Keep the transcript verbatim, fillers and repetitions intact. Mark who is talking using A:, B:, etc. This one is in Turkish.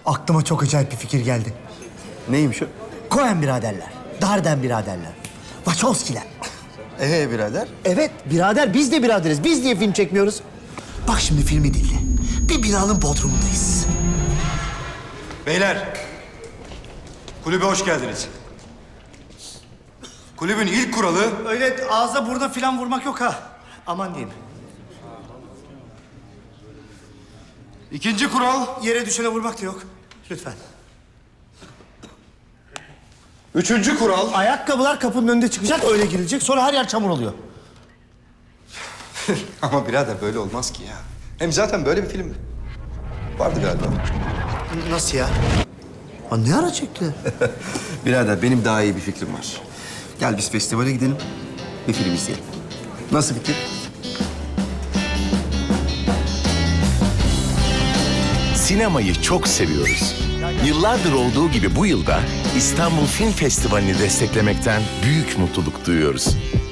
A: Aklıma çok acayip bir fikir geldi.
B: Neymiş o?
A: Coen biraderler, Darden biraderler, Wachowski'ler.
B: Ee birader?
A: Evet birader, biz de biraderiz. Biz niye film çekmiyoruz? Bak şimdi filmi dinle. Bir binanın bodrumundayız.
C: Beyler, kulübe hoş geldiniz. Kulübün ilk kuralı...
A: Öyle ağza burna falan vurmak yok ha. Aman diyeyim.
C: ikinci kural...
A: Yere düşene vurmak da yok. Lütfen.
C: Üçüncü kural...
A: Ayakkabılar kapının önünde çıkacak, öyle girilecek. Sonra her yer çamur oluyor.
B: Ama birader böyle olmaz ki ya. Hem zaten böyle bir film vardı galiba.
A: Nasıl ya? Ha, ne ara çektiler?
B: Birader benim daha iyi bir fikrim var. Gel biz festivale gidelim, bir film izleyelim. Nasıl fikir?
D: Sinemayı çok seviyoruz. Yıllardır olduğu gibi bu yılda İstanbul Film Festivali'ni desteklemekten büyük mutluluk duyuyoruz.